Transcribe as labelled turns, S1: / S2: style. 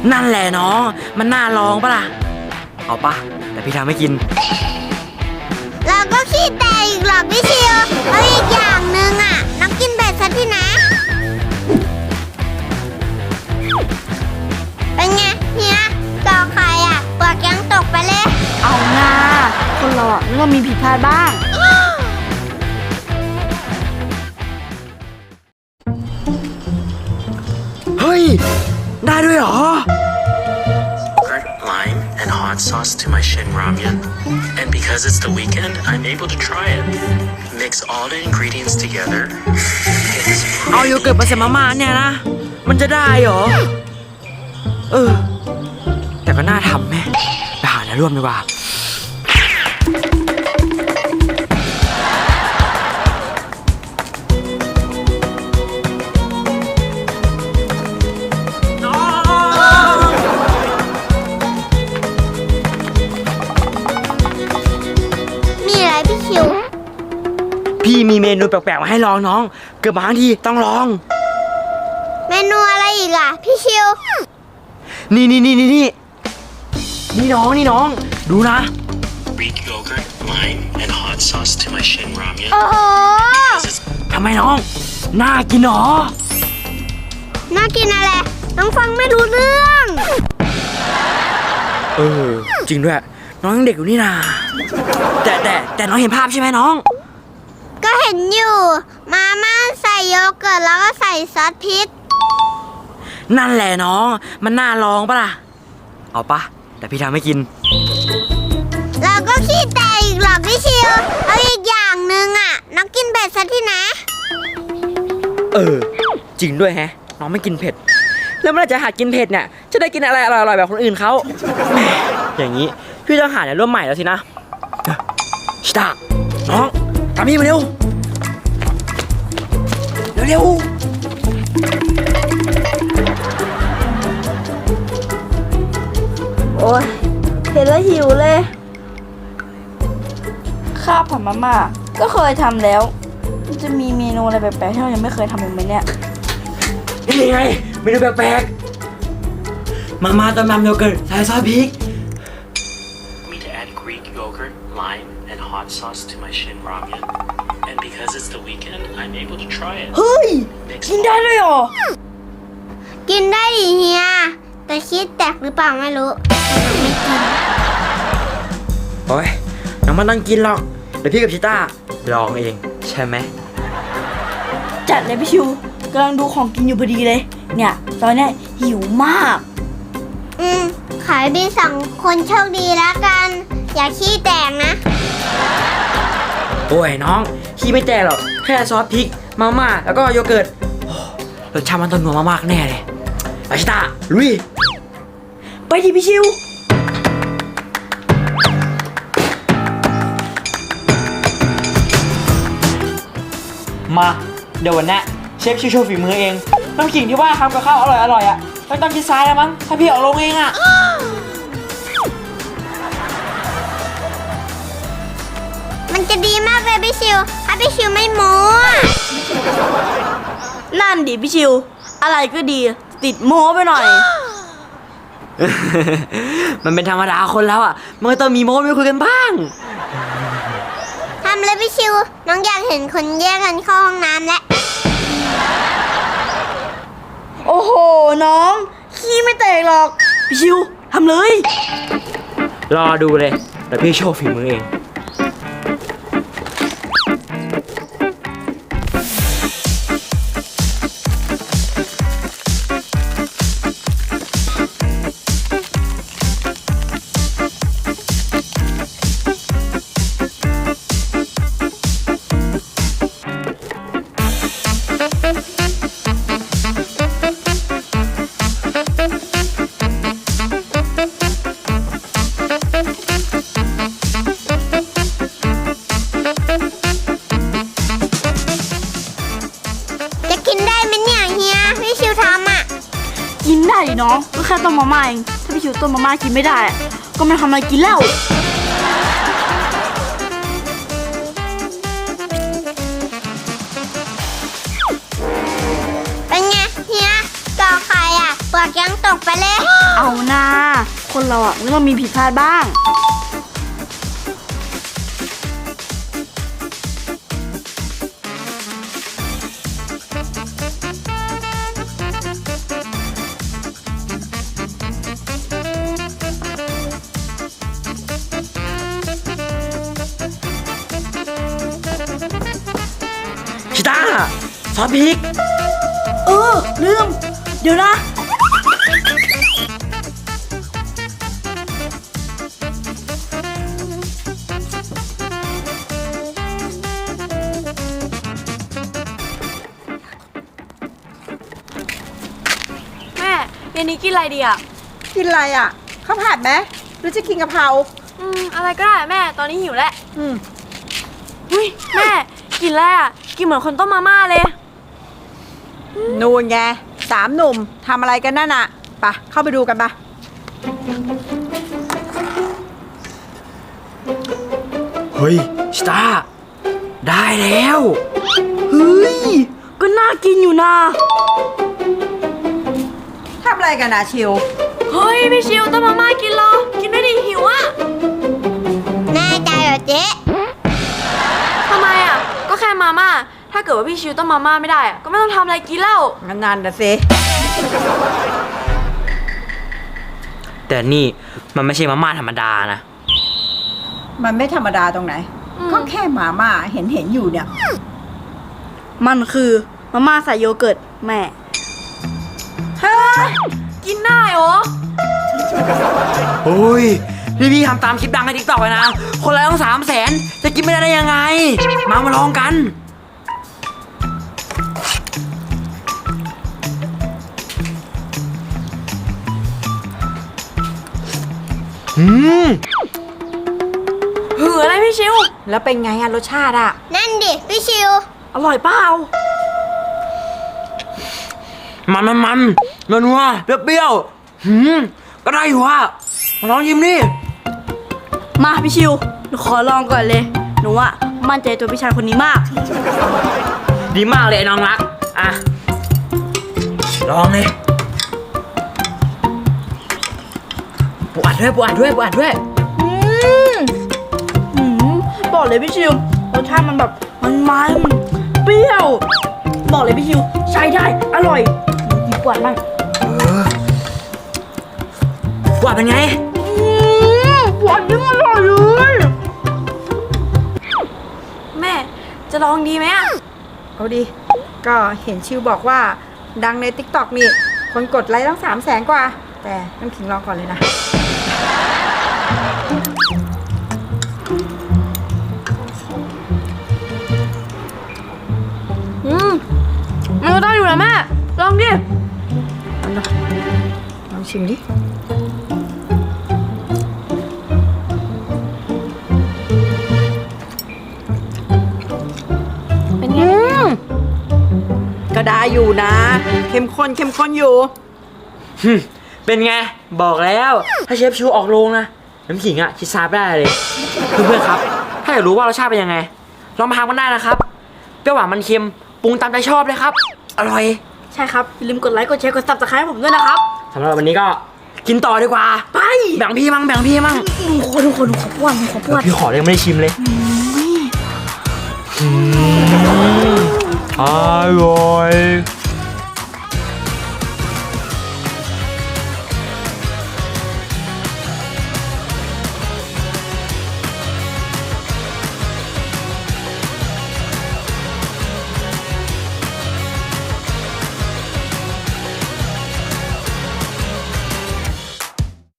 S1: นั่นแหละน้องมันน่าลองปะล่ะเอาปะแต่พี่ทำให้กิน
S2: เราก็ขี้แตกอีกหรอกพี่ชิวแล้วอีกอย่างหนึ่งอ่ะน้องกินเบ็ดซะที่นะเป็นไงเฮียจอใครอ่ะเปลือกยังตกไปเลย
S3: เอาหน้าคนเราอ่ะมันก็มีผิดพลาดบ้าง
S1: เฮ้ยได้ด้วยเหรอ
S4: Lime and hot sauce to my Shin Ramyun. And because it's the weekend, I'm able to try it. Mix all the ingredients together.
S1: เอาโยเกิร์ตมาใส่มาม่าเนี่ยนะมันจะได้เหรอแต่ก็น่าทำแม่ไปหาแนวร่วมดีกว่าพี่มีเมนูแปลกๆมาให้ลองน้องเกือบบางทีต้องลอง
S2: เมนูอะไรอีกอ่ะพี่ชิว
S1: นี่น้องดูนะ
S4: Greek yogurt, lime, and hot sauce to my Shin Ramyun.
S2: โอ้โห
S1: ทำไมน้องน่ากินหรอ
S2: น่ากินอะไรน้องฟังไม่รู้เรื่อง
S1: จริงด้วยน้องยังเด็กอยู่นี่นาแต่น้องเห็นภาพใช่ไหมน้อง
S2: ก็เห็นอยู่มาม่าใส่โยเกิร์ตแล้วก็ใส่ซอสพริก
S1: นั่นแหละน้องมันน่าลองปะล่ะเอาปะแต่พี่ทำให้กิน
S2: เราก็ขี้แตกอีกหรอกพี่ชิวเอาอีกอย่างหนึ่งอ่ะน้องกินเผ็ดซะที่นะ
S1: จริงด้วยแฮะน้องไม่กินเผ็ดแล้วเมื่อไหร่จะหัดกินเผ็ดเนี่ยจะได้กินอะไรอร่อยๆแบบคนอื่นเขาอย่างนี้พี่ต้องหาแนวร่วมใหม่แล้วสินะชิตาน้องตามพี่มาเร็ว
S3: โอ้ยเห็นแล้วหิวเลยข้าวผัดมาม่าก็เคยทำแล้วมันจะมีเมนูอะไรแปลกๆที่เรายังไม่เคยทำอีกไหมเนี่ย
S1: นี่ไงเมนูแปลกๆมาม่าต้มยำโยเกิร์ตใส่ซอสพริก
S4: Me to add Greek yogurt, lime, and hot sauce to my Shin Ramyun. And because it's the weekend, I'm able to try it.
S3: เฮ้ยกินได้เลยเหรอ
S2: กินได้ดิเฮียแต่คิดแตกหรือเปล่าไม่รู้ไม่กิน
S1: โอ้ยน้องมันต้องกินหรอกเดี๋ยวพี่กับชิต้าลองเองใช่ไหม
S3: จัดเลยพี่ชิวกำลังดูของกินอยู่พอดีเลยเนี่ยตอนนี้หิวมาก
S2: ขายดีสองคนโชคดีแล้วกันอย่าขี้แตกนะ
S1: โอ้ยน้องขี้ไม่แตกหรอกแค่ซอสพริกมาม่าแล้วก็โยเกิร์ตรสชาติมันต้องนัวมากๆแน่เลยไปชิต้าลุย
S3: ไปดิพี่ชิว
S1: มาเดี๋ยววันนี้เชฟชิวโชว์ฝีมือเองน้ำขิงที่ว่าทำกับข้าวอร่อยอ่ะไม่ต้องกินซ้ายแล้วมั้งถ้าพี่ออกลงเองอ่ะ
S2: มันจะดีมากเลยพี่ชิวถ้าพี่ชิวไม่โม้
S3: นั่นดิพี่ชิวอะไรก็ดีติดโม้ไปหน่อย
S1: มันเป็นธรรมดาคนแล้วอ่ะมันก็ต้องมีโม้ไม่คุยกันบ้าง
S2: ทำเลยพี่ชิวน้องอยากเห็นคนแยกกันเข้าห้องน้ำแล้ว
S3: โอ้โหน้องขี้ไม่แตกหรอกพี่ชิวทำเลย
S1: รอดูเลยเดี๋ยวพี่โชว์ฝีมือเอง
S3: กินได้ดิน้องก็แค่ต้มมาม่าเองถ้าพี่ชิวต้มมาม่ากินไม่ได้ก็ไม่ทำอะไรกินแล้ว
S2: เป็นไงเฮียจอใครอ่ะเปลือกยังตกไปเลย
S3: เอาหน้า คนเราอ่ะมันต้องมีผิดพลาดบ้าง
S1: ชิต้าซอสพริก
S3: ลืม เดี๋ยวนะ
S5: แม่เย็นนี้กินอะไรดีอ่ะ
S6: กินอะไรอ่ะข้าวผัดไหมหรือจะกินกะเพรา
S5: อะไรก็ได้แม่ ตอนนี้หิวแล้ว
S6: อืม
S5: อุ้ยแม่ กินแล้วอ่ะ กินเหมือนคนต้มมาม่าเลย
S6: นูนไง3 หนุ่มทำอะไรกันนั่นอ่ะไปเข้าไปดูกันปะ
S1: เฮ้ยชิต้าได้แล้ว
S3: เฮ้ย ก็น่ากินอยู่นะ
S6: ทำอะไรกันอ่ะชิว
S5: เฮ้ย พี่ชิวต้มมาม่ากินเหรอ กินไม่ดีหิวอ่ะ
S2: แน่ใจเหรอเจ๊
S5: ทำไมอ่ะ ก็แค่มาม่า ถ้าเกิดว่าพี่ชิวต้มมาม่าไม่ได้อ่ะ ก็ไม่ต้องทำอะไรกินแล้ว
S6: งั้นนั่นนะสิ
S1: แต่นี่มันไม่ใช่มาม่าธรรมดานะ
S6: มันไม่ธรรมดาตรงไหน ก็แค่หมาม่าเห็นอยู่เนี่ย
S3: มันคือมาม่าใส่โยเกิร์ตแม่
S5: กินได้เหรอ
S1: โอ้ยนี่พี่ทำตามคลิปดังในทิกตอกเลยนะ คนละต้อง300,000จะกินไม่ได้ยังไง มาลองกัน
S5: หืออะไรพี่ชิว
S6: แล้วเป็นไงอ่ะรสชาติอ่ะ
S2: นั่นดิพี่ชิว
S3: อร่อยเปล่า
S1: มันนัวๆเปรี้ยวๆก็ได้อยู่ว่ะมาลองชิมดิ
S3: มาพี่ชิว หนูขอลองก่อนเลย หนูอ่ะมั่นใจตัวพี่ชายคนนี้มาก
S1: ดีมากเลยไอ้น้องรัก อ่ะ ลองเลยปวดด้วย
S3: บอกเลยพี่ชิว รสชาติมันแบบมันเปรี้ยว บอกเลยพี่ชิว ใช้ได้ อร่อยมีกวาดบ้าง
S1: ปวดเป็นไง
S3: กวาดยิ่งอร่อยเลย
S5: แม่ จะลองดีไหมอ่ะ
S6: เอาดิ ก็เห็นชิวบอกว่าดังใน TikTok นี่ คนกดไลค์ตั้ง300,000 กว่า แต่น้ำขิงลองก่อนเลยนะ
S5: มันก็ได้อยู่นะแม่ ลองดิ
S6: ลองชิมดิ
S5: เป็นไง
S6: ก็ได้อยู่นะ เข้มข้นอยู่
S1: เป็นไง บอกแล้ว ถ้าเชฟชูออกโรงนะ น้ำขิงอ่ะชิดซาบได้เลย เพื่อนๆครับ ถ้าอยากรู้ว่ารสชาติเป็นยังไง ลองมาทำกันได้นะครับ เปรี้ยวหวานมันเค็ม ปรุงตามใจชอบเลยครับ อร่อย
S3: ใช่ครับ อย่าลืมกดไลค์ กดแชร์ กด subscribe ให้ผมด้วยนะครับ
S1: สำหรับวันนี้ก็กินต่อดีกว่า
S3: ไป
S1: แบ่งพี่มั่ง
S3: หนูขอป้วน
S1: เดี๋ยวพี่ขอเลยงไม่ได้ชิมเลยอร่อย